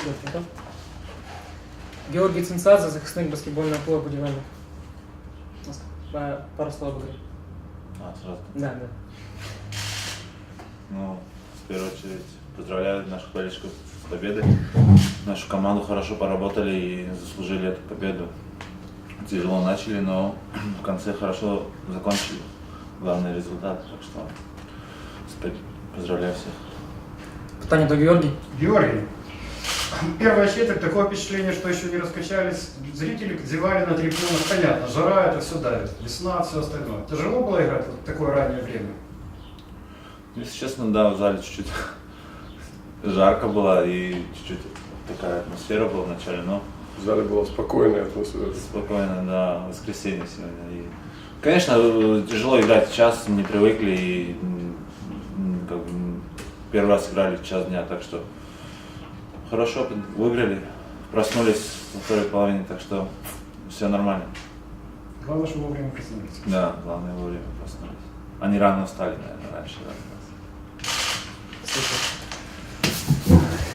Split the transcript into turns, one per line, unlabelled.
Плотников. Георгий Цинцадзе, захисник баскетбольного клуба «Будівельник». Пару слов об игре.
Сразу.
Да.
Ну, в первую очередь, поздравляю наших болельщиков с победой. Нашу команду хорошо поработали и заслужили эту победу. Тяжело начали, но в конце хорошо закончили. Главный результат, так что поздравляю всех.
Питание до Георгий.
Георгий, первая четверть, такое впечатление, что еще не раскачались. Зрители зевали на трибунах, понятно, жара это все давит, весна, все остальное. Тяжело было играть в такое раннее время?
Если честно, да, в зале чуть-чуть жарко было и чуть-чуть такая атмосфера была в начале, но
В зале была спокойная атмосфера.
спокойно, да, воскресенье сегодня. И, конечно, тяжело играть в час, не привыкли и как бы, первый раз играли в час дня, так что хорошо выиграли, проснулись во второй половине, так что все нормально.
Главное, что вовремя проснулись.
Да, главное вовремя проснулись. Они рано встали, наверное, раньше.
Супер.